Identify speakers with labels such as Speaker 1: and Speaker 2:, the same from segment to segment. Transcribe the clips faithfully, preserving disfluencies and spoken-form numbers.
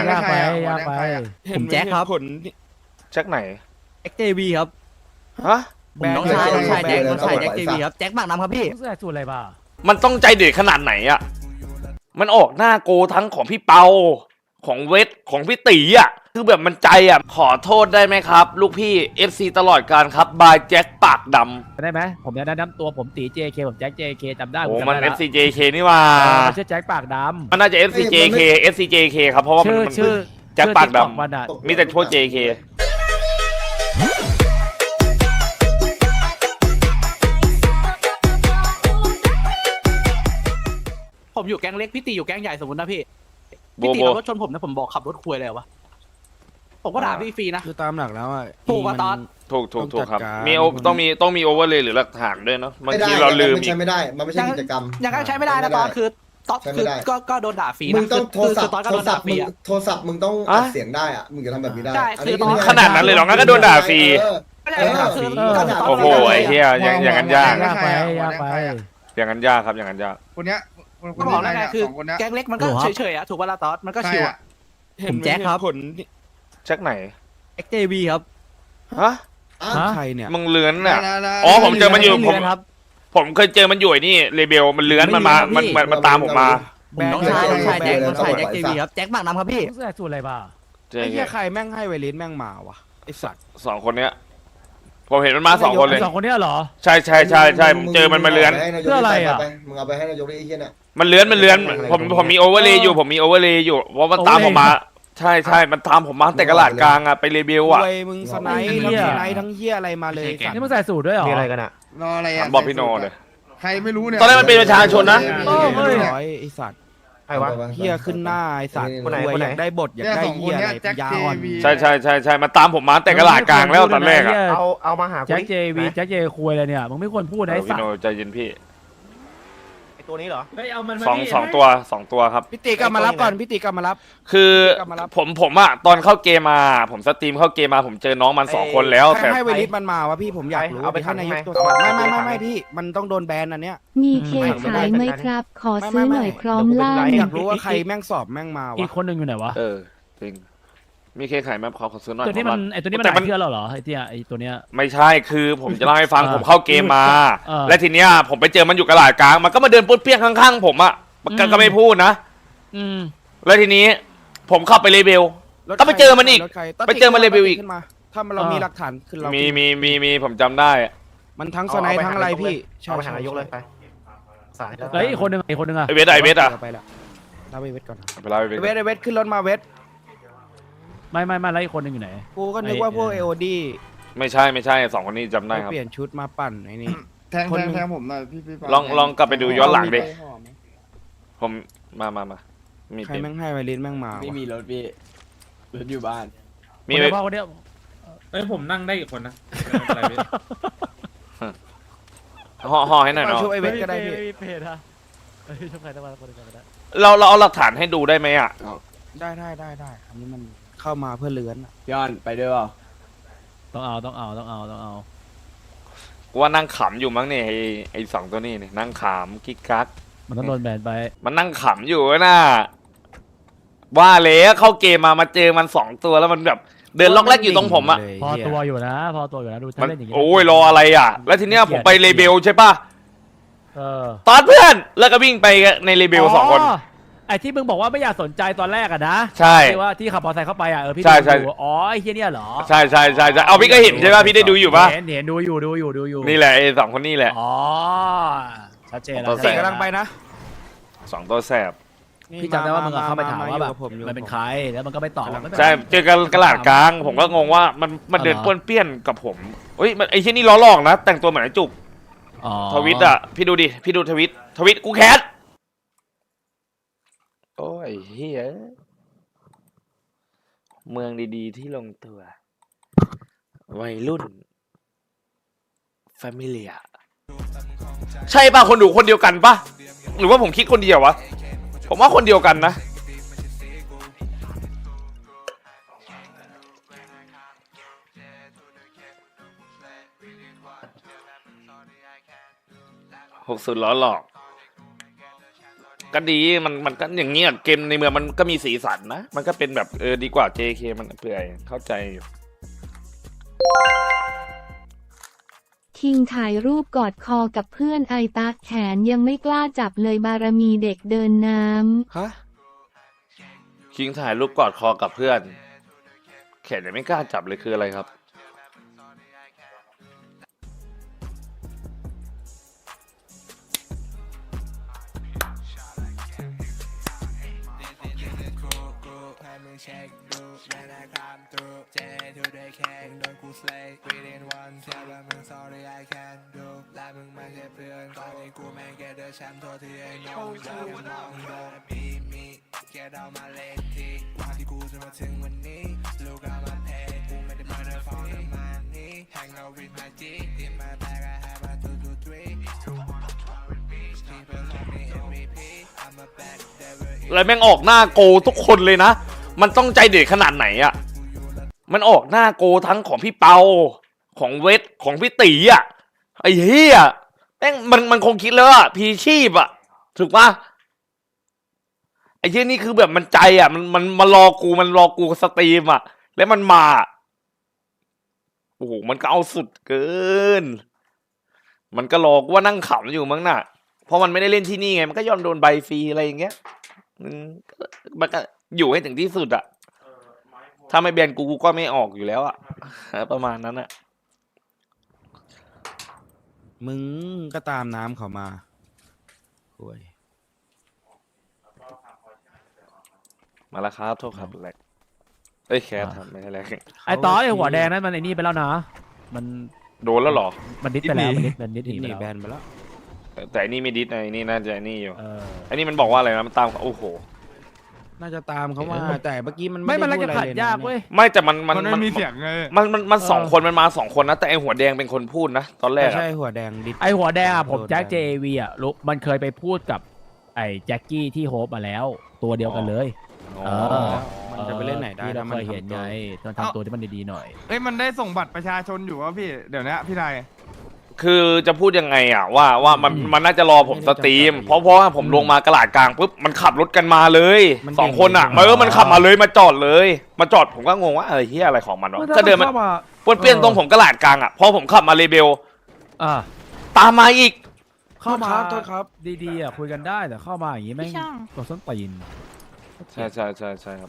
Speaker 1: ไม่ใครอ่ะหัวแดงใครอ่ะ
Speaker 2: ผมแจ็คครับ
Speaker 3: ผลแจ็คไหน
Speaker 2: แจ็คเจวีครับ
Speaker 3: ฮะ
Speaker 2: ผมน้องชายน้องชายแจ็คน้องชายแจ็คเจวีครับแจ็คหมากน้ำครับพี่
Speaker 4: ใส่สูตรอะไรบ้า
Speaker 3: มันต้องใจเด็ดขนาดไหนอ่ะมันออกหน้าโกทั้งของพี่เปาของเวทของพี่ตีอ่ะคือแบบมันใจอ่ะขอโทษได้ไหมครับ ลูกพี่ เอฟ ซี ตลอดการครับบายแจ็คปากดำ
Speaker 4: ได้ไหมผมจะแนะนำตัวผมตี เจ เค ผมแจ็ค เจ เค จำได้
Speaker 3: โอ้
Speaker 4: ผจำ
Speaker 3: มัน
Speaker 4: ได้
Speaker 3: เอ
Speaker 4: ละ
Speaker 3: ฟ ซี เจ เค นี่ว่า
Speaker 4: เออมันชื่อแจ็คปากดำ
Speaker 3: มันน่าจะ เอฟ ซี เจ เค เอฟ ซี เจ เค ครับเพราะว่ามัน
Speaker 4: ชื่อ
Speaker 3: มัน
Speaker 4: ชื่อ
Speaker 3: แจ็คปากด
Speaker 4: ชื่อ TikTok มันอะ
Speaker 3: ำมีแต่พวก เจ เค
Speaker 2: ผมอยู่แก๊งเล็กพี่ตีอยู่แก๊งใหญ่สมมตินะพี่
Speaker 3: โบ
Speaker 2: พี่ตี
Speaker 3: โบ
Speaker 2: ขับรถชนผมนะผมบอกขับรถคุยเลยวะผมก็ด่าพี่ฟรีนะ
Speaker 5: คือตามหลักแล้วอ่ะ
Speaker 2: ถูกป่ะตอน
Speaker 3: ถูกถูกถูกครับ
Speaker 5: ต้องจัดการ
Speaker 3: มีโอต้องมีต้องมีโอเวอร์เลยหรือหลักฐานด้วยเนาะบาง
Speaker 6: ไม่ได้
Speaker 3: ทีเราลืม
Speaker 6: มัน
Speaker 3: อี
Speaker 6: ใช้
Speaker 3: ก
Speaker 6: ไม่ได้ มันไม่ใช่กิจกรรม
Speaker 2: อย่างนั้นใช้ไม่ได้นะตอนคือตอน
Speaker 6: ใช้ไม่
Speaker 2: คือ
Speaker 6: ได้
Speaker 2: ก็ก็โดนด่าฟรี
Speaker 6: มึ
Speaker 2: นะ
Speaker 6: งต้องโทรศัพท์
Speaker 2: คือตอนก็
Speaker 6: โท
Speaker 2: โด
Speaker 6: ร
Speaker 2: น
Speaker 6: ศั
Speaker 2: ด่า
Speaker 6: พท์
Speaker 2: ฟ
Speaker 6: มึ
Speaker 2: รี
Speaker 6: ง
Speaker 2: อะ
Speaker 6: โทรศัพท์มึงต้อง
Speaker 3: อะ
Speaker 6: อัดเสียงได้อ่ะ มึงจะทำแบบนี้ได้
Speaker 2: ใช่
Speaker 6: อั
Speaker 2: คือ
Speaker 6: ก็ไม่
Speaker 3: ขนาดนั้นเลยเหรองั้นก็โดนด่าฟรี
Speaker 6: เออ
Speaker 2: ไม่ได้นะคือ
Speaker 6: เออ
Speaker 2: ก็คือตน
Speaker 3: โอ้โหไอ้เหี้ยอย่างอย่างนั้นยาก
Speaker 4: ยากไปยากไป
Speaker 3: อย่างนั้นยากครับอย่างนั้นยาก
Speaker 1: คนเนี้ยคนค
Speaker 2: ก็
Speaker 1: น
Speaker 2: บอก
Speaker 1: นี้
Speaker 2: แล้วไง
Speaker 1: เนี่ย
Speaker 2: คือ
Speaker 1: สองคนเนี้ย
Speaker 2: แก๊งเล็กมันก็เฉยๆอะถูกป่ะล่ะตอนมันก็
Speaker 1: ใคร
Speaker 2: ชิว
Speaker 1: อ่ะ
Speaker 2: อะผมแจ็คครับ
Speaker 3: ผลแจ็คไหน
Speaker 2: แจ็คเจวีครับ
Speaker 3: ฮะ
Speaker 6: อ่ะ
Speaker 4: ฮะ
Speaker 5: ใครเนี่ย
Speaker 3: มึงเลื้อน
Speaker 1: นะ
Speaker 3: อ่ะ
Speaker 1: นะนะ
Speaker 3: อ๋อผมเจอมันอยู่ผม
Speaker 2: เรืครับ
Speaker 3: ผมเคยเจอมันอยู่ไอ้นี่เรเบลมันเลื้อนมันมา
Speaker 2: ไม่
Speaker 3: มัน
Speaker 2: มี
Speaker 3: มันมันตามผมมา
Speaker 2: ผมน้องชายน้องชายแจ็คน้องชายแจ็คเจวีครับแจ็คหมากน้ำครับพี่
Speaker 4: ใส่สูตรอะไรบ้า
Speaker 3: เจอ
Speaker 5: ไอ้
Speaker 3: ไง
Speaker 5: เหี้ยใครแม่งให้ไวลิสแม่งมาวะไอสัตว์
Speaker 3: สองคนเนี้ยผมเห็นมันมาสองคนเลย
Speaker 4: สองคนเนี้ยเหรอ
Speaker 3: ใช่ใช่ใช่ใช่ผมเจอมันมาเลื้อน
Speaker 6: มึง
Speaker 4: เพื่ออะไรอ่ะ
Speaker 6: ไปมึงเอาไปให้นายกได้ไอ้เหี้ยเนี่ย
Speaker 3: มันเลื้อนมันเลื้อนผมผมมีโอเวอร์เลยอยู่ผมมีโอเวอร์เลยอยู่เพราะมันตามผมมา ใช่ใช่มันตามผมมาตั้งแต่กระลาดกลางอะไปเรเบลอะ
Speaker 5: รวยมึงสไนด์ทั้งสไนด์ทั้งเหี้ยอะไรมาเลยสัตว์
Speaker 4: นี่มึงใส่สูตรด้วยเหรอ
Speaker 2: มีอะไรกันอะ
Speaker 1: รออะไร
Speaker 3: ถา
Speaker 1: อ่ะ
Speaker 3: มบอกพี่โนเลย
Speaker 1: ใครไม่รู้เนี่ย
Speaker 3: ตอนแรกมันเป็นประชาชนนะ
Speaker 4: โอ้เฮ้ย
Speaker 5: ร้อยไอสัตว์
Speaker 6: ใครวะ
Speaker 5: เหี้ยขึ้นหน้าไอสัตว์
Speaker 6: คนไหน
Speaker 5: รวย
Speaker 6: คนไหน
Speaker 5: อยากได้บทอยาก
Speaker 1: เนี่ย
Speaker 5: ได้
Speaker 1: สองค
Speaker 5: เหี้
Speaker 1: น
Speaker 5: ย
Speaker 1: เนี้ย
Speaker 5: อะไร
Speaker 1: แจ็ค
Speaker 5: ยา
Speaker 1: เจ
Speaker 5: อ่อน
Speaker 1: วี
Speaker 3: ใช่ใช่ใช่ใช่มันตามผมมาตั้งแต่กระลาดกลางแล้วตอนแรกอะ
Speaker 4: เอา
Speaker 2: เอามาหา
Speaker 4: แจ็คเจวีแจ็คเจคุยเลยเนี่ยมึงไม่ควรพูด
Speaker 3: เอ
Speaker 4: นะ
Speaker 3: อ
Speaker 4: ไอ้สั
Speaker 3: พี่
Speaker 4: ต
Speaker 3: โน
Speaker 4: ว์
Speaker 3: ใจเย็นพี่
Speaker 2: ไอตัวนี้เหรอ
Speaker 4: เฮ้ยเอามัน
Speaker 3: สองสองตัวสองตัวครับ
Speaker 5: พี่ตีกลับมารับก่อนพี่ตีกลับมารับ
Speaker 3: คือ
Speaker 5: กลับมารับ
Speaker 3: ผมผมอะตอนเข้าเกมมา ผมสตรีมเข้าเกมมาผมเจอน้องมันสองคนแล้ว
Speaker 5: ใคร
Speaker 3: แต่
Speaker 5: ให้ไวลิสมันมาวะพี่ผมอยากรู้
Speaker 2: เอาไป
Speaker 5: ให้นายก
Speaker 2: ทำไง
Speaker 5: ตรวจสอบไม่ไม่ไม่ไม่พี่มันต้องโดนแบนอันเนี้ย
Speaker 7: มีเคขายไหมครับ ขอซื้อหน่อยพร้อมล่า
Speaker 5: อยากรู้ว่าใครแม่งสอบแม่งมาวะ
Speaker 4: อีกคนหนึ่งอยู่ไหนวะ
Speaker 3: เออจริงมีเคขายไหมขอขอซื้อหน่อย
Speaker 4: ตัวนี้มันไอตัวนี้มัน
Speaker 3: แต่
Speaker 4: ห
Speaker 3: มั
Speaker 4: ลาน ยเทื่อแล้วเหรอไอเตี้ยไอตัวเนี้ย
Speaker 3: ไม่ใช่คือผมจะเล่าให้ฟัง
Speaker 4: เออ
Speaker 3: ผมเข้าเกมมา
Speaker 4: เออ
Speaker 3: และทีเนี้ยผมไปเจอมันอยู่กระลาดกลางมันก็มาเดินป้วนเปี้ยนข้างๆผมอะมันก็
Speaker 4: อืม
Speaker 3: ก็ไม่พูดนะ
Speaker 4: อืม
Speaker 3: แล้วทีนี้ผมเข้าไปเลเบล
Speaker 5: รถ
Speaker 3: ก็ไปเจอมันอีก
Speaker 5: รถใคร
Speaker 3: ไปเจอมันเลเวลอีก
Speaker 5: ขึ้นมาถ้ามันเรามีหลักฐานคือเรา
Speaker 3: มี
Speaker 5: มี
Speaker 3: มีมีมีผมจำได้อะ
Speaker 5: มันทั้งสไนด์ทั้งอะไรพี่
Speaker 2: เอาไปหานายกเลยไปสาย
Speaker 4: เฮ้ยอีกคนหนึ่งอีกคนหนึ่งอะ
Speaker 3: ไอเวทอะไอเวทอะ
Speaker 5: ไปละเราไปเวทก่อน
Speaker 3: ไปเล่าไอเวท
Speaker 5: เวทไอเวทขึ้นรถมาเวท
Speaker 4: ไม่ไม่ไม่แล้วอีกคนหนึ่งอยู่ไหน
Speaker 5: กูก็นึกว่าพวก
Speaker 4: ไอ้
Speaker 5: เอโอดี
Speaker 3: ไม่ใช่ไม่ใช่สองคนนี้จำได้ครับ
Speaker 5: เปลี่ยนชุดมาปั่นไอ้นี่
Speaker 1: แทง
Speaker 5: คน
Speaker 1: แท
Speaker 5: หนึ่
Speaker 1: ง
Speaker 5: ง
Speaker 1: แทงผมหน่อยพี่พี่ปา
Speaker 3: ลองลองกลับไปดูย้อนหลังดิ
Speaker 5: ไปห่อไหม
Speaker 3: ผมมามามามี
Speaker 5: ใคร
Speaker 3: เป็น
Speaker 5: แม่งให้ไวลิสแม่งมา
Speaker 8: ไม่
Speaker 5: วะ
Speaker 8: มีรถพี่รถอยู่บ้าน
Speaker 3: มี
Speaker 4: คนเดียวพ่อคนเดียว
Speaker 8: เอ้ยผมนั่งได้อีกคนนะอะไรพี่
Speaker 3: ห่อห่อให้หน่อยเนาะ
Speaker 5: ช่วยไอเวทก็ได้พี่
Speaker 4: เพจฮะเฮ้ยช่วยใครได้บ้างคนหนึ่งก็ได้
Speaker 3: เราเราเอาหลักฐานให้ดูได้ไหมอะ
Speaker 5: ได้ได้ได้ได้อันนี้มันเข้ามาเพื่อเลื้อนอะ
Speaker 8: พี่ออนไปด้วยเปล่า
Speaker 4: ต้องเอาต้องเอาต้องเอาต้องเอา
Speaker 3: กูว่านั่งขำอยู่มั้งเนี่ยไอไอสองตัวนี้เนี่ยนั่งขำกิ๊กกัก
Speaker 4: มันต้องโดนแบนไป
Speaker 3: มันนั่งขำอยู่น่ะว่าแล้วเข้าเกมมามาเจอมันสองตัวแล้วมันแบบเดินล็อกแรกอยู่ตรงผมอะ
Speaker 4: พอตัวอยู่นะ พอตัวอยู่นะดูถ้า
Speaker 3: มัน
Speaker 4: เล่นอย่างงี้
Speaker 3: โอ้ยรออะไรอะแล้วทีเนี้ยผมไปเลเบลใช่ปะ
Speaker 4: เออ
Speaker 3: ตอนเพื่อนแล้วก็วิ่งไปในเลเบลสองคน
Speaker 4: ไอ้ที่มึงบอกว่าไม่อยากสนใจตอนแรกอะนะ
Speaker 3: ใช่
Speaker 4: ที่ว่าที่ขับมอเตอร์ไซค์เข้าไปอะเออพี่
Speaker 3: ใช่ใช่
Speaker 4: ดูอยู่อ๋อไอ้เฮียเนี่ยเหรอ
Speaker 3: ใช่ใช่ใช่ใช่เอาพี่ก็เห็นใช่ปะพี่ได้ดูอยู่ปะ
Speaker 4: เห็นเห็นดูอยู่ดูอยู่ดูอยู่
Speaker 3: นี่แหละไอสองคนนี่แหละ
Speaker 4: อ๋อชัดเจนแล้ว
Speaker 3: ตัว
Speaker 5: เส
Speaker 3: แส
Speaker 5: ก
Speaker 3: บ
Speaker 5: กำลังไปนะ
Speaker 3: สองตัวแสบ
Speaker 4: พี่จำได้ว่ามึงอะเข้าไปถามว่าแบบ
Speaker 5: อยู่กับผมอยู่
Speaker 4: มันเป็นใครแล้วมันก็ไม่ตอบไม่เป็นไร
Speaker 3: ใช่เจอกันกระลาดกลาง ผมก็งงว่ามันมันเดิน
Speaker 4: อ๋อ
Speaker 3: ป้วนเปี้ยนกับผมเฮ้ยมันไอ้ที่นี่ล้อหลอกนะ แต่งตัวเหมือนไอ้จุก
Speaker 4: อ๋อ
Speaker 3: ทวิตอ่ะพี่ดูดิพี่ดูทวิตทวิตกูแคสโอ้ยเฮียเมืองดีๆที่ลงตัววัยรุ่นแฟมิเลียใช่ป่ะคนดูคนเดียวกันป่ะหรือว่าผมคิดคนเดียววะผมว่าคนเดียวกันนะหกสุดล้อหลอกก็ดีมันมันก็อย่างเงี้ยเกมในเมืองมันก็มีสีสันนะมันก็เป็นแบบเออดีกว่า เจ เค มันเปื่อยเข้าใจอยู่
Speaker 7: คิงถ่ายรูปกอดคอกับเพื่อนไอตาแขนยังไม่กล้าจับเลยบารมีเด็กเดินน้ำ
Speaker 3: ฮะคิงถ่ายรูปกอดคอกับเพื่อนแขนยังไม่กล้าจับเลยคืออะไรครับแล้วแม่งออกหน้าโกทุกคนเลยนะมันต้องใจเด็ดขนาดไหนอะมันออกหน้าโกทั้งของพี่เปาของเวทของพี่ตีอะไอ้เหี้ยแม่งมันมันคงคิดแล้วอะพีชีพอะถูกปะไอ้เหี้ยนี่คือแบบมันใจอะมันมันมารอกูมันรอกูสตรีมอะแล้วมันมาโอ้โหมันก็เอาสุดเกินมันก็รอกูว่านั่งขำอยู่มั้งน่ะเพราะมันไม่ได้เล่นที่นี่ไงมันก็ยอมโดนใบฟรีอะไรอย่างเงี้ยมันก็อยู่ให้ถึงที่สุดอะถ้าไม่แบนกูกูก็ไม่ออกอยู่แล้วอะประมาณนั้นอะ
Speaker 5: มึงก็ตามน้ำเขามาโอ้ย
Speaker 3: มาแล้วครับโทษครับแลกเอ้ยแคทครับไม่ใช่แลก
Speaker 4: ไอต่อไอหัวแดงนั้นมันไอนี่ไปแล้วนะมัน
Speaker 3: โดนแล้วเหรอ
Speaker 4: มันดิสไปแล้วมันดิสมันดิสห
Speaker 5: นี่
Speaker 4: นี
Speaker 5: นี่
Speaker 4: ไป
Speaker 5: แบ
Speaker 4: แล้ว
Speaker 5: นไปแล้ว
Speaker 3: แต่อันนี้ไม่ดิสไอ้นี่น่าจะไอ้นี่อยู่
Speaker 4: เออ
Speaker 3: ไอ้นี่มันบอกว่าอะไรนะมันตามโอ้โห
Speaker 5: น่าจะตามเขามาแต่เมื่อกี้มัน
Speaker 4: ไม่
Speaker 5: ไม่
Speaker 4: มัน
Speaker 5: ได้
Speaker 4: แล้ว
Speaker 5: พูด
Speaker 4: จะ
Speaker 5: อะไร
Speaker 4: ขัด
Speaker 5: เลยนะ
Speaker 4: ยากเว้ย
Speaker 3: ไม่แต่มันมัน
Speaker 1: มันไม่มีเสียงไง
Speaker 3: มันมันมันสอง
Speaker 4: เออ
Speaker 3: คนมันมาสองคนนะแต่ไอหัวแดงเป็นคนพูดนะตอนแรก
Speaker 5: ใช่
Speaker 3: อะ
Speaker 5: หัวแดงดิ
Speaker 4: ไอหัวแดงอะผม
Speaker 5: โดน
Speaker 4: แจ็ค
Speaker 5: แบน
Speaker 4: เจวีอะรู้มันเคยไปพูดกับไอแจ็คกี้ที่โฮปมาแล้ว ตัวเดียวกันเลย
Speaker 3: อ๋อ
Speaker 4: เออ
Speaker 5: มันจะไปเล่นไหนได้
Speaker 4: ที่เรา
Speaker 5: ถ้ามัน
Speaker 4: เคยเห็น
Speaker 5: ทำตัว
Speaker 4: ไงต้องทำตัวที่มันดีๆหน่อย
Speaker 1: เอ้ยมันได้ส่งบัตรประชาชนอยู่วะพี่เดี๋ยวนี้พี่นาย
Speaker 3: คือจะพูดยังไงอ่ะว่าว่ามัน
Speaker 4: อืม
Speaker 3: มันน่าจะรอผมสตรีม เพราะเพราะว่าผมลงมากระลาดกลางปุ๊บมันขับรถกันมาเลย
Speaker 5: มัน
Speaker 3: สองคนอ่ะ
Speaker 5: เก่ง
Speaker 3: เออมันขับมาเลยมาจอดเลย มาจอดผมก็งงว่าอะไรเฮียอะไรของมันวะก็เดินมันป้วนเปี้ยนตรงผมกระลาดกลางอ่ะพอผมขับมาเลเบล
Speaker 4: อ่า
Speaker 3: ตามมาอีก
Speaker 4: เข้ามา
Speaker 5: โทษครับ
Speaker 4: ดีๆอ่ะคุยกันได้แต่เข้ามาอย่างงี้แม่ง
Speaker 9: พี่ช่าง
Speaker 4: ตัวส้นตีน
Speaker 3: ใช่ใช่ใช่ใช่ครับ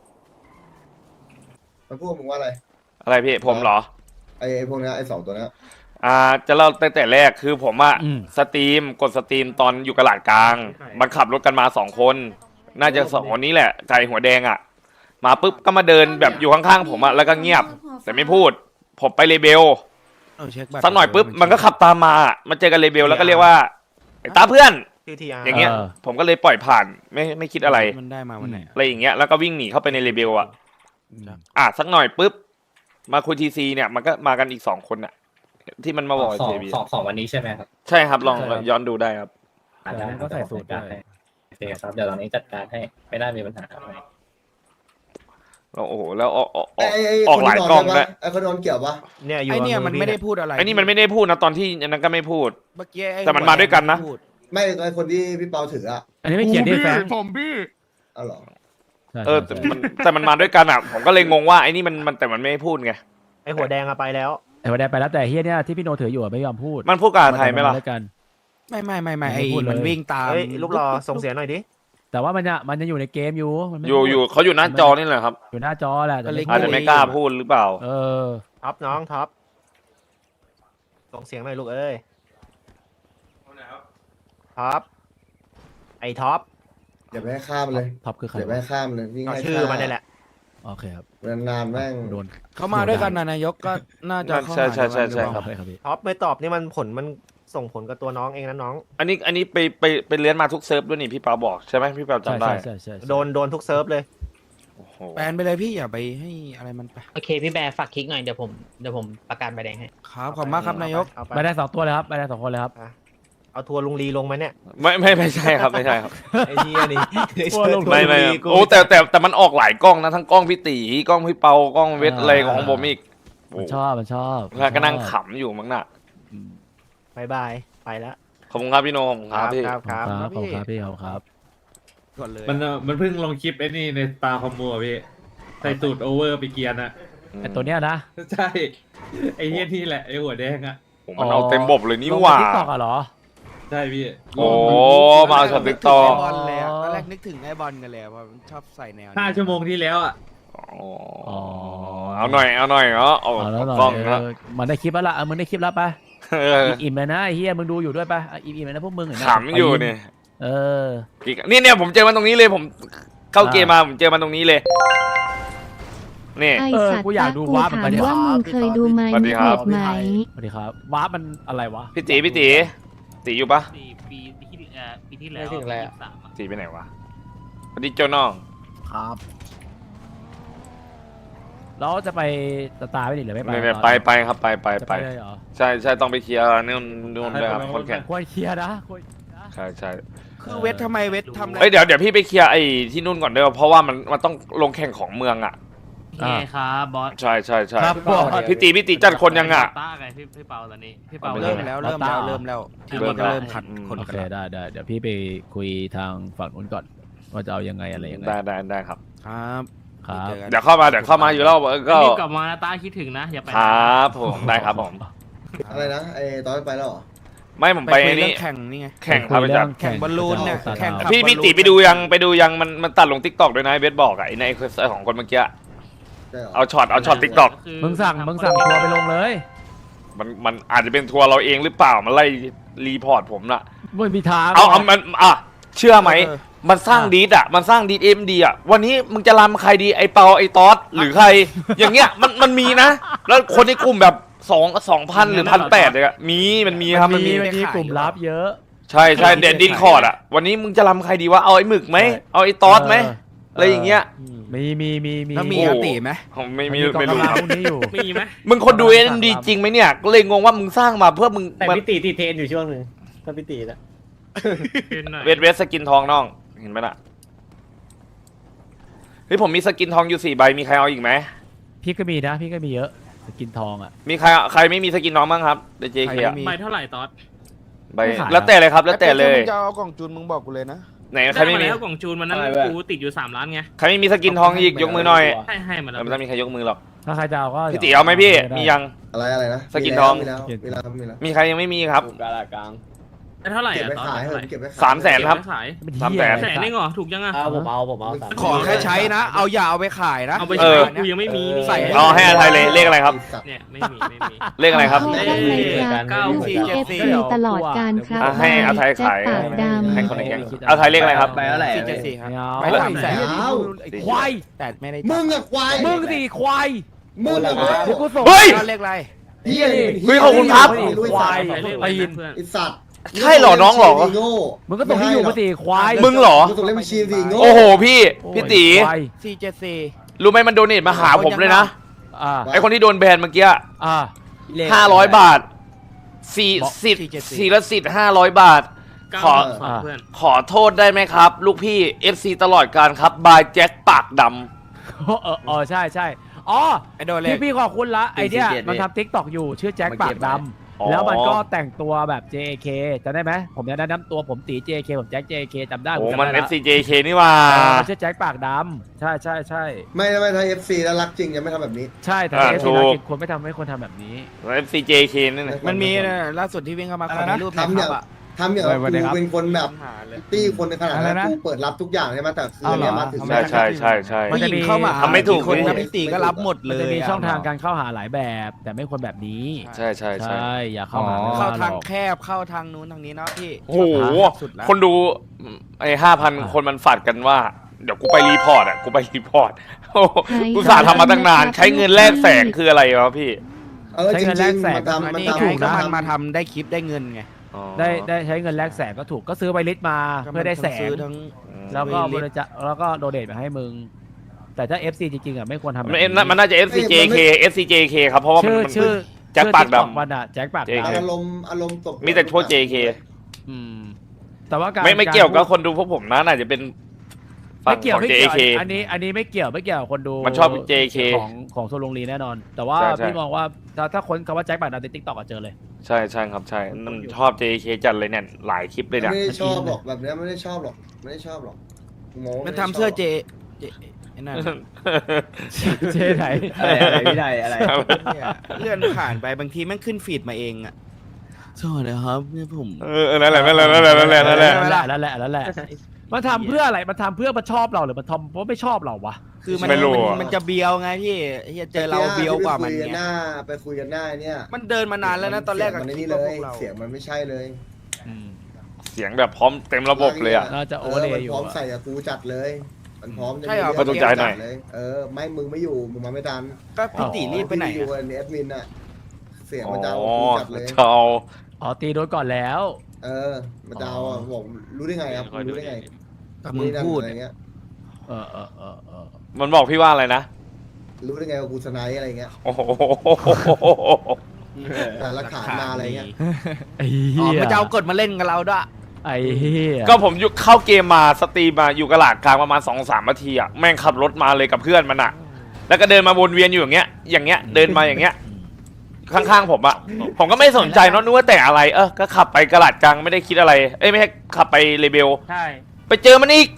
Speaker 6: มันพูดมึงว่าอะไร
Speaker 3: อะไรพี่ผมเหรอ
Speaker 6: ไอ้ไอ้พวกเนี้ยไอ้สองตัวเนี้ย
Speaker 3: อ่าจะเล่าตั้งแต่แรกคือผมอะ
Speaker 4: อืม
Speaker 3: สตรีมกดสตรีมตอนอยู่กระลาดกลาง มันขับรถกันมาสองคน น่าจะสองคนนี้แหละไก่หัวแดงอะมาปุ๊บก็มาเดินแบบอยู่ข้างๆผมอะแล้วก็เงียบ แต่ไม่พูด ผมไปเลเบล
Speaker 5: เอาเช็คบัตร
Speaker 3: สักหน่อยปุ๊บมันก็ขับตามมามาเจอกันเลเบลแล้วก็เรียกว่าไอ้ตาเพื่อน อย่างเงี้ย ผมก็เลยปล่อยผ่านไม่ไม่คิดอะไร
Speaker 5: มันได้มาวันไหน
Speaker 3: อะไรอย่างเงี้ยแล้วก็วิ่งหนีเข้าไปในเลเบลอะ
Speaker 5: อืม
Speaker 3: อ่ะสักหน่อยปุ๊บมาคุยทีซีเนี่ยมันก็มากันอีกสองคนอะที่มันมาบอก
Speaker 10: สอ
Speaker 3: เจ
Speaker 10: ง
Speaker 3: บี
Speaker 10: สองสองวันนี้ใช่ไหมครับ
Speaker 3: ใช่ครับลอง
Speaker 4: ใช่ครับ
Speaker 3: ย้อนดูได้ครับ
Speaker 10: อ่าได้
Speaker 4: ก็ใส่สูตรด้วย
Speaker 10: โอเคครับเดี๋ยวตอนนี้จัดการให้ไม่น่ามีปัญหาอะไร
Speaker 3: แล้วโอ้โหแล้วออกออกอ
Speaker 6: ไอ้
Speaker 3: อก
Speaker 6: ไอ้
Speaker 3: ออกหลายกล้องด้วย
Speaker 6: ไอ้คนโดนเกี่ยวปะ
Speaker 2: เนี่ยอยู่
Speaker 5: ไอเนี่ยมันไม่ได้พูดอะไร
Speaker 3: ไอ้นี่มันไม่ได้พูดนะตอนที่อันนั้นก็ไม่พูด
Speaker 5: เมื่อกี้ไอ้
Speaker 3: แต่มันมาด้วยกันนะ
Speaker 5: พูด
Speaker 6: ไม่ไอ้คนที่พี่เปาถืออะ
Speaker 4: อันนี้ไม่เขียนที่แฟน
Speaker 1: ผมพี่
Speaker 6: อ๋อเหรอ
Speaker 4: ใช่
Speaker 3: เออแต่
Speaker 4: ใช่
Speaker 3: มันแต่มันมาด้วยกันอ่ะผมก็เลยงงว่าไอ้นี่มันมันแต่มันไม่พูดไง
Speaker 2: ไอหัวแดงอะไปแล้ว
Speaker 4: ไอ้หัวแดงไปแล้วแต่เฮียเนี่ยที่พี่โนถืออยู่อะไม่ยอมพูด
Speaker 3: มันพูดกับไทยไหมล่ะ
Speaker 4: นด้วยกัน
Speaker 5: ไม่ไม่ไม่ไม่
Speaker 4: ไม่
Speaker 5: ไอ้
Speaker 4: พูดเลย
Speaker 5: มันวิ่งตาม
Speaker 2: เฮ้ยลูกรอส่งเสียงหน่อยดิ
Speaker 4: แต่ว่ามันจะมันจะอยู่ในเกมอยู่มันไม่
Speaker 3: อยู่
Speaker 4: พูด
Speaker 3: อยู่เขาอยู่หน้าจอนี่แหละครับ
Speaker 4: อยู่หน้าจอแหละแต่ไม่
Speaker 3: อาจจะไม่กล้าพูดหรือเปล่า
Speaker 4: เออ
Speaker 2: ท็อปน้องท็อปส่งเสียงหน่อยลูกเอ้ยท็อปไอท็อป
Speaker 6: อย่าไปให้ข้ามเลย
Speaker 4: ท็อปคือใคร
Speaker 6: อย่าไปให้ข้ามเลยวิ่ง
Speaker 2: เอา
Speaker 6: ให้
Speaker 2: ชื่อมันนี่แหละ
Speaker 4: โอเคครับ
Speaker 6: นานๆแม่ง
Speaker 4: โดน
Speaker 5: เขามาด้วยกันนะนายกก็น่าจะเข้า
Speaker 3: ใช่ใช่
Speaker 5: หา
Speaker 3: ใช่
Speaker 5: กันหรือเปล่า
Speaker 3: ใช่ครับ
Speaker 4: โอเคครับพี่
Speaker 2: ท็อปไม่ตอบนี่มันผลมันส่งผลกับตัวน้องเองนะน้อง
Speaker 3: อันนี้อันนี้ไปไปไปเลี้ยนมาทุกเซิร์ฟด้วยนี่พี่เปาบอกใช่ไหมพี่เปา
Speaker 4: ใช่
Speaker 3: จำได้
Speaker 4: ใช่ใช่ใช่
Speaker 2: โดนโดนทุกเซิร์ฟเลย
Speaker 3: โอ้โห
Speaker 5: แบนไปเลยพี่อย่าไปให้อะไรมันไป
Speaker 9: โอเค พี่แบร์ฝากคลิกหน่อยเดี๋ยวผมเดี๋ยวผมประกาศใบแดงให้
Speaker 5: ครับขอบคุณมากครับนายก
Speaker 2: เอาไป
Speaker 4: ไปได้สองตัวเลยครับไปได้สองคนเลยครับ
Speaker 2: เอาทัวร์ลุงลีลงไหมเนี่ย
Speaker 3: ไม่ไม่ไม่ใช่ครับไม่ใช่ครับ
Speaker 2: ไอ้ที่อันนี้
Speaker 4: ทัวร์ลง
Speaker 3: ไม่ไม่ครับโอ้แต่แต่แต่มันออกหลายกล้องนะทั้งกล้องพี่ตีกล้องพี่เปากล้องเวทอะไรของผมอีกโอ้
Speaker 4: มันชอบมันชอบ
Speaker 3: แล้วก็นั่งขำอยู่มั้งน่ะ
Speaker 4: อืม
Speaker 2: บายบายไปแล้ว
Speaker 3: ขอบคุณครับพี่โนขอบคุณครับพี่
Speaker 2: ครับ
Speaker 4: ขอบคุณครับขอบคุณ
Speaker 2: พี่
Speaker 4: ครับพี่ขอบคุณครับ
Speaker 5: ก่อนเลย
Speaker 8: มันมันเพิ่งลงคลิปไอ้นี่ในตาคอมโบอะพี่ใส่ตูดโอเวอร์ไปเกียร์นะ
Speaker 4: ไอตัวเนี้ยนะ
Speaker 8: ใช่ไอ้เหี้ยนี่แหละไอ้หัวแดงอ่ะ
Speaker 3: ผมมันเอาเต็มบบเลยนี่หว่า
Speaker 4: ทิกตอกอะเหรอ
Speaker 8: ใช่พี่
Speaker 3: โอ้มาช็อตติ๊กตอก
Speaker 5: ไอบอลเลยอะตอนแรกนึกถึงไอบอลกันเลยเพราะมันชอบใส่แนวนี้
Speaker 8: ห้าชั่วโมงที่แล้วอ่ะ
Speaker 3: อ๋อเอาหน่อยเอาหน่อยเนาะเอา
Speaker 4: เอาแล้วหน่
Speaker 3: กล้อง
Speaker 4: อย
Speaker 3: นะ
Speaker 4: เออมันได้คลิปแล้วล่ะเออมึงได้คลิปแล้วปะ
Speaker 3: เออ
Speaker 4: อิ่มๆเลยนะไอ้เฮียมึงดูอยู่ด้วยปะอ่ะอิ่มๆเลยนะพวกมึงเห็นไหม
Speaker 3: ขำอยู่เนี่ย
Speaker 4: เออ
Speaker 3: นี่เนี่ยผมเจอมันตรงนี้เลยผมเข้าเกมมาผมเจอมันตรงนี้เลยนี่
Speaker 7: ไอ
Speaker 4: เออ
Speaker 7: สัตว์
Speaker 4: กูอยาก
Speaker 7: ตะ
Speaker 4: ดู
Speaker 7: กู
Speaker 4: วาร์ปเหมือน
Speaker 7: ถา
Speaker 4: กั
Speaker 7: ม
Speaker 4: นเนี่ย
Speaker 7: ว่ามึงเคยดูไหม
Speaker 3: สวัสดีครับ
Speaker 7: เห็นไหม
Speaker 4: สวัสดีครับวาร์ปมันอะไรวะ
Speaker 3: พี่ตีพี่ตีตีอยู่ปะ
Speaker 9: ปีปีที่เอ่อปีที่แล้ว
Speaker 10: ไม่ถึงแล้ว
Speaker 9: สามอะ
Speaker 3: ตีไปไหนวะสวัสดีเจ้าน้อง
Speaker 5: ครับ
Speaker 4: แล้วจะไปสตาร์ไม่ดิหรือไม่ไป
Speaker 3: ไม่ไม่ไปไปครับไปไป
Speaker 4: จะ
Speaker 3: ไป
Speaker 4: ไปเลยเหรอ
Speaker 3: ใช่ใช่ต้องไปเคลียร์นู่นนู่นด้วยครับคนแข่ง
Speaker 4: ควรเคลียร์นะควรเคลียร์นะ
Speaker 3: ใช่ใช่
Speaker 5: คือเวททำไมเวททำอะไร
Speaker 3: เอ้ยเดี๋ยวเดี๋ยวพี่ไปเคลียร์ไอ้ที่นู่นก่อนเด้อเพราะว่ามันมันต้องลงแข่งของเมืองอ่ะ
Speaker 9: โอเคครับบอส
Speaker 3: ใช่ใช่ใช่
Speaker 4: ครับบอส
Speaker 3: พี่ตีพี่ตีจัดคนยังอ่ะ
Speaker 9: ต้าไงพี่พี่เปาตอนนี้พี่เปา
Speaker 3: เอาไป
Speaker 5: เริ่มแล้วเริ่มแล้วเริ่มแล้วทีนี้ก็เริ่มขัดคน
Speaker 4: โอ
Speaker 5: กัน
Speaker 4: เค
Speaker 5: แล้ว
Speaker 4: ได้ได้เดี๋ยวพี่ไปคุยทางฝั่งนู้นก่อนว่าจะเอายังไงอะไรยังไง
Speaker 3: ได้ได้ได้ครับ
Speaker 5: ครับ
Speaker 4: ครับ
Speaker 5: จอกัน
Speaker 3: เดี๋ยวเข้ามาเดี๋ยวเข้ามาอยู่แล้วเออก็
Speaker 9: รีบกลับมานะต้าคิดถึงนะอย่าไป
Speaker 3: ครับผมได้ครับผม
Speaker 6: อะไรนะไอ้ตอนไปแล้วเหรอ
Speaker 3: ไม่ผม
Speaker 5: ไป
Speaker 3: ไป
Speaker 5: คุย
Speaker 3: ไอ้
Speaker 5: เรื่อ
Speaker 3: นี่
Speaker 5: งแข่งนี่ไง
Speaker 3: แข่งครับ
Speaker 4: คุย
Speaker 3: อา
Speaker 4: เรื่
Speaker 3: จา
Speaker 4: อ
Speaker 3: รง ย์
Speaker 5: แข่งบอลลูนเนี่ย
Speaker 4: จะอา
Speaker 5: แข่งขับ
Speaker 3: พี่พี่ตีไปดูยังไปดูยังมันมันตัดลงทิกตอกด้วยนะไอ้เบสบอกอะไอ้ในเคยของคนเมื่อกี้
Speaker 6: ใช่เหรอ
Speaker 3: เอาช็อตเอาช็อตทิกตอก
Speaker 9: คื
Speaker 4: มึงสั่งมึงสั่งทัวร์ไปลงเลย
Speaker 3: มันมันอาจจะเป็นทัวร์เราเองหรือเปล่ามันไล่รีพอร์ตผมน่ะ
Speaker 4: ไม่มีทาง
Speaker 3: เอาเอามันอ่ะเชื่อไหม
Speaker 5: เออ
Speaker 3: มันสร้างดีดอ่ะมันสร้างดีดเอ็มดีอ่ะวันนี้มึงจะรำใครดีไอ้เปาไอ้ตอสหรือใคร อย่างเงี้ยมันมันมีนะ แล้วคนในกลุ่มแบบสองสองพันหรือพันแปดเลยอะมีมันมีครับมันมี
Speaker 4: มันมีกลุ่มลับเยอะ
Speaker 3: ใช่ใช่เด่นดินคอร์ดอ่ะวันนี้มึงจะรำใครดีวะเอาไอ้หมึกไหมเอาไอ้ตอสไหมอะไรอย่างเงี้ย
Speaker 4: มีมีมีมี
Speaker 5: แล้วมี
Speaker 3: โอ้
Speaker 5: อาติไหม
Speaker 3: ผมไม่มี
Speaker 4: กอง
Speaker 3: ไม่รู้
Speaker 4: กำลัง
Speaker 3: ครับ
Speaker 4: พวกนี้อยู่
Speaker 9: มีไหม
Speaker 3: มึงคนดูเอ็นดีจริงไหมเนี่ยก็เลยงงว่ามึงสร้างมาเพื่อมึง
Speaker 10: แต่
Speaker 3: มัน
Speaker 10: พี่ตีติดเทรนอยู่ช่วงหนึ่งถ้าพี่ตีนะ
Speaker 9: เป็นหน่อย
Speaker 3: เวทเวทสกินทองน้องเห็นไหมล่ะเฮ้ยผมมีสกินทองอยู่สี่ใบมีใครเอาอีกไหม
Speaker 4: พี่ก็มีนะ พี่ก็มีเยอะสกินทองอ่ะ
Speaker 3: มีใครใครไม่มีสกินน้องบ้างครับเดจเค
Speaker 5: มี
Speaker 9: ใบเท่าไหร่ตอส
Speaker 3: ใบ
Speaker 4: ไม่ขาย
Speaker 3: แล้วแต่เลยครับแล้วแต่เลย
Speaker 5: ไอ้ป๊ะถ้ามึงจะเอากล่องจูนมึงบอกกูเลยนะ
Speaker 3: ไหนใคร
Speaker 9: ได้
Speaker 3: ไม่
Speaker 9: มา
Speaker 3: มี
Speaker 9: แล้วกล่องจูนวันนั้น
Speaker 10: อะไรวะ
Speaker 9: กูติดอยู่สามล้านไง
Speaker 3: ใครไม่มีสกินทองอีกยกมือหน่อย
Speaker 9: ให้ให้มาแล้
Speaker 3: แต่
Speaker 9: ว
Speaker 3: ไม่ต้องมีใครยกมือหรอก
Speaker 4: ถ้าใครจะเอาก็
Speaker 3: พี่ตีเอาไหมพี่
Speaker 4: ด้
Speaker 3: มียัง
Speaker 6: อะไรอะไรนะ
Speaker 3: สกินทอง
Speaker 6: มีแล้วมีแล้วมีแล้ว
Speaker 3: มีใครยังไม่มีครับ
Speaker 10: กาลากลาง
Speaker 9: ได้เท่าไหร่
Speaker 6: เก็บ
Speaker 9: อะ
Speaker 6: ไป
Speaker 9: ตอส
Speaker 6: ขาย
Speaker 9: ได้
Speaker 6: เถ
Speaker 9: เท่าไหร่
Speaker 6: อะเก็บไปขาย
Speaker 3: สามแสนครับ
Speaker 9: เก็ขาย
Speaker 4: เป็น
Speaker 3: สาม
Speaker 4: เหี้
Speaker 3: แส
Speaker 4: ย
Speaker 3: น
Speaker 9: แสนเองเหรอถูกยังอะ
Speaker 10: เอาผมเอาผมเอาสาม
Speaker 5: ขอแค่ใช้นะ เอาอย่าเอาไปขายนะ
Speaker 9: เอาไป
Speaker 3: เอ
Speaker 9: ใช้
Speaker 3: อ
Speaker 9: กูยังไม่มีนี่
Speaker 5: ใส่
Speaker 3: เอาให้อภัยเลยเลขอะไรครับ
Speaker 9: เนี่ยไม่มีไม่มี
Speaker 3: เลขอะไรครับ
Speaker 7: ขอได้ไหมครับ
Speaker 9: เก้า
Speaker 7: ลูก
Speaker 9: สี่
Speaker 7: พี่
Speaker 9: เจ็
Speaker 7: เอ
Speaker 9: ด
Speaker 7: ฟ
Speaker 9: สี่
Speaker 7: ซีตลอดการครับ
Speaker 3: อ่ะให้อภัย
Speaker 7: แจ็ค
Speaker 3: ขาย
Speaker 7: ปากดำ
Speaker 3: ให้คนในแก๊งเอาไทยเลขอะไรครับ
Speaker 8: ไปเท่าไหร่
Speaker 5: สี่เจ็ดสี่ครับ
Speaker 4: ไม่เอา
Speaker 5: ไปสามแสน
Speaker 4: ไอ้ควาย
Speaker 5: แต่ไม่ได้
Speaker 6: มึงอะควาย
Speaker 4: มึงสิควาย
Speaker 6: มึงอะควาย
Speaker 4: เดี๋ยวกูส่ง
Speaker 3: เฮ้ย
Speaker 5: เลขอะไร
Speaker 6: เฮียนี่
Speaker 3: เฮ้ยขอบคุณครับ
Speaker 6: ไม่รู้ไอ้สัตว์
Speaker 9: ใช้เลขอะไรนะเพื่อน
Speaker 6: ไอ้สัตว์
Speaker 3: ใช่เหรอน้องเหรอ
Speaker 6: โง่
Speaker 4: มึงก็ส่งที่อยู่มาสิควาย
Speaker 3: มึงเหรอ
Speaker 6: มึงส่งเลขบัญชีสิโง่
Speaker 3: โอ้โหพี่พี่ตี
Speaker 4: ควาย
Speaker 5: สี่เจ็ดสี่
Speaker 3: รู้ไหมมันโดเนทมาหาผมเลยนะ
Speaker 4: อ่า
Speaker 3: ไอคนที่โดนแบนเมื่อกี้
Speaker 4: อ่า
Speaker 3: ห้าร้อยบาทสี่สิบสี่ละสิบห้าร้อยบาท
Speaker 9: เก้า
Speaker 3: ขอ
Speaker 9: สองเพื่อน
Speaker 3: ขอโทษได้ไหมครับ ลูกพี่ เอฟ ซี ตลอดการครับบายแจ็คปากด
Speaker 4: เออเออใช่ใช่อ๋อ
Speaker 5: ไอโดนเล
Speaker 4: พี่
Speaker 5: ข
Speaker 4: พี่ขอบคุณละไอเนี้ย
Speaker 10: สี่สิบเจ็ด
Speaker 4: มันทำทิกตอกอยู่ชื่อแจ็คปากด
Speaker 3: อ๋อ
Speaker 4: ำแล้วมันก็แต่งตัวแบบ เจ เค จำได้ไหมผมจะแนะนำตัวผมตี เจ เค ผมแจ็ค เจ เค จำได้
Speaker 3: ำโอ้
Speaker 4: ผจำ
Speaker 3: มัน
Speaker 4: ได้
Speaker 3: เอ
Speaker 4: ละ
Speaker 3: ฟ ซี เจ เค นี่ว่า
Speaker 4: เออมันชื่อแจ็คปากดำใช่ใช่ใช่
Speaker 6: ไม่ไม่ถ้า เอฟ ซี แล้วรักจริงยังไม่ทำแบบนี้
Speaker 4: ใช่แต่
Speaker 3: อ่า
Speaker 4: เอฟ
Speaker 3: ถู
Speaker 4: ซี
Speaker 3: ก
Speaker 4: จริงควรไม่ทำให้คนทำแบบนี้
Speaker 3: เอฟ ซี เจ เค นี่นะ
Speaker 5: มันมีนะล่าสุดที่วิ่งเข้ามาขอมีรูปใน
Speaker 6: ทำ
Speaker 5: ค
Speaker 6: อ
Speaker 5: รั
Speaker 6: ย่าง
Speaker 5: บอ่ะ
Speaker 6: ทำอย่าง
Speaker 4: สวัสดี
Speaker 6: กู
Speaker 4: ครับ
Speaker 6: เป็นคนแบบ
Speaker 5: หาเลย
Speaker 6: ตี้คนในขนาด
Speaker 4: อะไร
Speaker 6: นั้น
Speaker 4: นะ
Speaker 6: กูเปิดรับทุกอย่างใช่ไหมแต่คือ
Speaker 4: เอาเหรอ
Speaker 6: เนี่ยมาถึง
Speaker 3: ใช่ใช่ใช่ใช่
Speaker 4: มัน
Speaker 5: ผู้
Speaker 4: จะ
Speaker 5: ห
Speaker 4: มี
Speaker 5: ญิงเข้ามา
Speaker 3: ทำไม่ถูก
Speaker 5: คนนะ
Speaker 3: ไม่
Speaker 5: พี่ตีก็รับหมดเล
Speaker 4: มัน
Speaker 5: ย
Speaker 4: จะมี
Speaker 5: อะ
Speaker 4: ช่องทางการเข้าหาหลายแบบ แต่ไม่ควรแบบนี้
Speaker 3: ใช่ใช่ใช่
Speaker 4: ใช่อย่าเข้าหา
Speaker 1: อ๋อ
Speaker 4: ไม่
Speaker 5: เข้า
Speaker 4: ว่หร
Speaker 5: ทาง
Speaker 4: อก
Speaker 5: แคบเข้าทางนู้นทางนี้เนาะพี่
Speaker 3: โอ้โห
Speaker 5: สุดแล้ว
Speaker 3: คนดูไอ้ห้าพันคนมันฝัดกันว่า เดี๋ยวกูไปรีพอร์ตอ่ะ กูไปรีพอร์ตโอ้โหกูสาห์ทำมาตั้งนาน ใช้เงินแลกแสงคืออะไรวะพี่
Speaker 6: เออจริงจริงๆมันทำ
Speaker 5: อัน
Speaker 6: มัน
Speaker 5: นี้
Speaker 6: ทำ
Speaker 5: ไงก็
Speaker 6: ทำ
Speaker 5: มันมาทำได้คลิปได้เงินไง
Speaker 3: อ๋อ
Speaker 4: ได้ได้ใช้เงินแลกแสงก็ถูกก็ซื้อใบลิสต์มาเพื่อได้แสง
Speaker 5: ซื้อทั้ง
Speaker 4: แล้วก็
Speaker 5: ซื้
Speaker 4: บ
Speaker 5: อลิสต์
Speaker 4: ริจาคแล้วก็โดเนทมาให้มึง แต่ถ้า เอฟ ซี จริงๆอ่ะไม่ควรทำแบบ
Speaker 3: มัน
Speaker 4: นี้
Speaker 3: มันน่าจะ เอฟ ซี เจ เค เอฟ ซี เจ เค ครับ เพราะว่ามัน
Speaker 4: ชื่อ
Speaker 3: มัน
Speaker 4: ชื่อ
Speaker 3: แจ็คปากดำ
Speaker 4: ชื่อ TikTok มันอ่ะแจ็คปาก
Speaker 3: เจ เค
Speaker 4: ดำ
Speaker 6: อารมณ์อารมณ์ตบ
Speaker 3: มีแต่พวก เจ เค
Speaker 4: อืมแต่ว่าการ
Speaker 3: ไม่ไม่เกี่ยวกับ
Speaker 4: าร
Speaker 3: คนดูพวกผมนะน่าจะเป็นฝั่
Speaker 4: ไม่
Speaker 3: ง
Speaker 4: เกี่ยว
Speaker 3: ของ
Speaker 4: ไม่
Speaker 3: เจ
Speaker 4: เกี่ยว
Speaker 3: เค
Speaker 4: อันนี้อันนี้ไม่เกี่ยวไม่เกี่ยวกับคนดู
Speaker 3: มันชอบ เจ เค
Speaker 4: ของของโซลงลีแน่นอน แต่ว่า
Speaker 3: ใช่ใช่
Speaker 4: พี่มองว่าถ้าถ้าคนคำว่าแจ็คปากดำในทิกตอกก็เจอเลย
Speaker 3: ใช่ใช่ครับใช่มันชอบ เจ เค จัดเลยเนี่ยหลายคลิปเลยเนี่ย
Speaker 6: ไม่ได้ชอบหรอกแบบเนี้ยไม่ได้ชอบหรอกไม่ได้ชอบหรอกโง่
Speaker 5: มันทำเสื้อเจเจไอ้นั่น
Speaker 4: เจไหน
Speaker 10: อะไรอะไรพี่ไทยอะไร
Speaker 5: เนี่ยเลื่อนผ่านไปบางทีแม่งขึ้นฟีดมาเองอะสวัสดีครับเนี่ยผม
Speaker 3: เออนั่นแหละนั่นแหละนั่นแหละนั่นแหละนั่นแหละ
Speaker 4: นั่นแหละนั่นแหละนั่นแหละมันทำเพื่ออะไรมันทำเพื่อมันชอบเราหรือมันทำเพราะไม่ชอบเราวะ
Speaker 5: คือมัน
Speaker 3: ไม่รู้
Speaker 5: มัน
Speaker 3: อะ
Speaker 5: มันจะเบียวไงพี่เฮียเจอเราเบียวกว่ามัน
Speaker 6: ไปคุยกันห
Speaker 5: เนี่ย
Speaker 6: น้าไปคุยกันหน้าเนี่ย
Speaker 5: มันเดินมานานแล้วนะตอนแรก
Speaker 6: เสียงมัน
Speaker 5: คิ
Speaker 6: นี่
Speaker 5: ด
Speaker 6: เล
Speaker 5: ว่าพวย กเรา
Speaker 6: เสียงมันไม่ใช่เลย
Speaker 3: เสียงแบบพร้อมเต็มระบบเลยอ่ะ
Speaker 4: น่าจะโอ
Speaker 6: เอ
Speaker 4: เวอ
Speaker 6: อ
Speaker 4: ร์เล
Speaker 6: มัน
Speaker 4: ย์อยู่
Speaker 6: พร้อม
Speaker 4: อะ
Speaker 6: ใส่กับกูจัดเลย มันพร้อมจะ
Speaker 5: ใช่เหรอ
Speaker 6: มี
Speaker 3: ก็ต้องจ่ายหน่อย
Speaker 6: เลยเออไม่มึงไม่อยู่มึงมาไม่ทัน
Speaker 5: ก็พี่ตีรีบไปไหน
Speaker 6: พี่อยู่
Speaker 5: อะ
Speaker 6: ในแอดมินน่ะเสียง
Speaker 3: อ๋
Speaker 6: มันจะเอา
Speaker 3: อ
Speaker 6: กูจัดเลย
Speaker 3: เจ้า
Speaker 4: อ๋อตีโดนก่อนแล้ว
Speaker 6: เออมันจะเอาอ่ะบอกรู้ได้ไงครับรู้ได้ไง
Speaker 5: ก็มึงพูด
Speaker 6: อะไร
Speaker 5: เนี่ย
Speaker 6: เงี้ย
Speaker 4: เออเออเออเออ
Speaker 3: มันบอกพี่ว่าอะไรนะ
Speaker 6: รู้ได้ไงว่ากูสไนป์อะไรเงี้ย
Speaker 3: โอ้โห
Speaker 6: แต่หลักฐานมาอะไรเงี้ย
Speaker 4: ไอ้
Speaker 5: อ๋อ
Speaker 4: เหี้ย
Speaker 5: มันจะเอากดมาเล่นกับเราด้วย
Speaker 4: ไอ้เหี้ย
Speaker 3: ก็ผมอยู่เข้าเกมมาสตรีมมาอยู่กระหลาดกลางประมาณสองสามนาทีอ่ะแม่งขับรถมาเลยกับเพื่อนมันอ่ะ แล้วก็เดินมาวนเวียนอยู่อย่างเงี้ย อย่างเงี้ยเดินมาอย่างเงี้ย ข้างๆผมอ่ะผมก็ไม่สนใจเนอะนึกว่าแต่อะไรเออก็ขับไปกระหลาดกลางไม่ได้คิดอะไรเอ้ยไม่ใช่ขับไปเลเบล
Speaker 9: ใช่
Speaker 3: ไปเจอมันอีก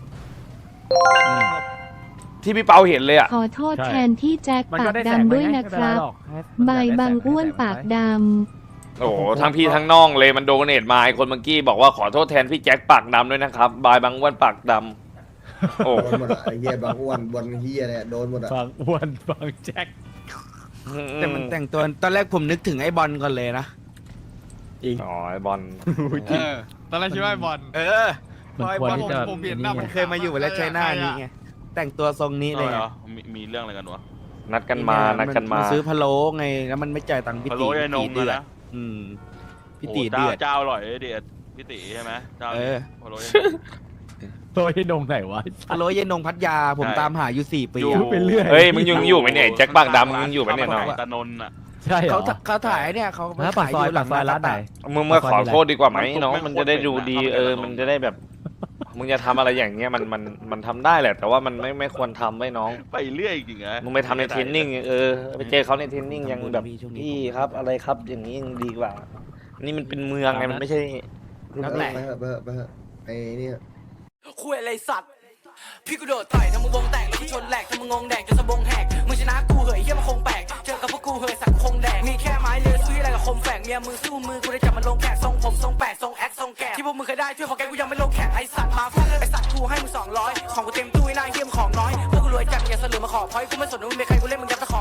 Speaker 3: ที่พี่เปาเห็นเลยอ่ะ
Speaker 7: ขอโทษแทนที่แจ็ค
Speaker 4: มัน
Speaker 7: ปา
Speaker 4: ก็
Speaker 7: ก
Speaker 4: ได้แสง
Speaker 7: ดำ
Speaker 4: ไป
Speaker 7: ด้วย
Speaker 4: ไง
Speaker 7: นะค
Speaker 4: ไม่เป็
Speaker 7: รับ
Speaker 4: ไหอกให้
Speaker 7: ใบายบางอ้วนปากด
Speaker 3: โอ้โหทั้งพี่ทั้งน้องเลยมันโดเนทมาไอคนเมื่อกี้บอกว่าขอโทษแทนพี่แจ็คปากดำด้วยนะครับบายบางอ้วนปากดำโอ้
Speaker 6: โดนหมดอ่ะไอ้เหี้ยบางอ้วนบนเหี้ยเนี่ยโดนหมดอ่ะ
Speaker 4: บางอ้วนบางแจ็ค
Speaker 5: แต่มันแต่งตัวตอนแรกผมนึกถึงไอ้บอลก่อนเลยนะ
Speaker 3: อ๋อไอบอล
Speaker 1: เออตอนแรกคิดว่าไอ้บอล
Speaker 5: เออ
Speaker 4: มันควรที่จะ
Speaker 1: ผมเห็นหน้า
Speaker 5: มันเคยมาอยู่แล้วใช้หน้านี้ไงแต่งตัวทรงนี้เลยไง
Speaker 8: มีมีเรื่องอะไรกันวะ
Speaker 3: นัดกันมานัดกันมา
Speaker 5: ซื้อพะโล้ไงแล้วมันไม่จ่ายตังค์พี่
Speaker 8: พะ
Speaker 5: ตี
Speaker 8: โล้ยายนง
Speaker 5: พี่ตีเดือด
Speaker 8: อะนะ
Speaker 5: อืมพี่ตีเดือด
Speaker 8: เจ้าอร่อยเดือดพี่ตีใช่ไหมเจ้า
Speaker 5: เออ
Speaker 8: พะโล้ยายนง
Speaker 4: โตัวที่นงไหนวะ
Speaker 5: พะโล้เย็นนงพัทยาผม
Speaker 8: ใช่
Speaker 5: ตามหาอยู่สี่ปี
Speaker 8: อยู่
Speaker 5: อะ
Speaker 4: ไปเรื่อย
Speaker 3: เฮ้ยมึงยังอยู่ไหมเนี่ยแจ็คปากดำมึงยังอยู่ไหมเนี่ยน้อง
Speaker 8: ตะนนท์อ่ะ
Speaker 4: ใช่เหร
Speaker 5: เขา
Speaker 4: อ
Speaker 5: เขาถ่ายเนี่ยเขา
Speaker 4: ฮะปากซอยปากซอยร้านไหน
Speaker 3: มึงมาขอโทษดีกว่าไหม
Speaker 8: มัน
Speaker 3: น้อง
Speaker 8: ไม่
Speaker 3: มันจะได้ดูดี
Speaker 8: ควรเป็นนะ
Speaker 3: เออมันจะได้แบบ มึงจะทำอะไรอย่างเงี้ยมันมันมันทำได้แหละ แต่ว่ามันไม่ไม่ควรทำไว้น้อง
Speaker 8: ไปเรื่อยจริงๆนะ
Speaker 3: มึงไปทำในเทรนนิ่งเออไปเจอเขาในเทรนนิ่งยังแบบพี่ครับอะไรครับอย่างนี้ยังดีกว่า นี่มันเป็นเมืองไงมันไม่ใช่
Speaker 6: แล้วแต่ไปเถอะไปเถอะไปเถอะไอ้เนี่ย
Speaker 11: คุยอะไรสัตว์พี่กูโดดต่อยทำมึงวงแตกแล้วกูชนแหลกทำมึงงงแดกจนสะบงแหกมึงชนะกูเหยเยี่ยมันคงแปลกเจอกับพวกกูเหยสักคงแดกมีแค่ไม้เลือซื้ออะไรกับคมแฝกเมียมือสู้มือกูได้จับมันลงแขกทรงผมทรงแปดทรงแอคทรงแกะที่พวกมึงเคยได้ช่วยของแกกูยังไม่ลงแขกไอสัตว์มาฟาดไอสัตว์กูให้มึงสองร้อยของกูเต็มตู้ไอ้นายเยี่ยมของน้อยพวกกูรวยจัดอย่าเสลือมาขอพอยกูไม่สนว่ามึงเป็นใครกูเล่นมึงยับตะ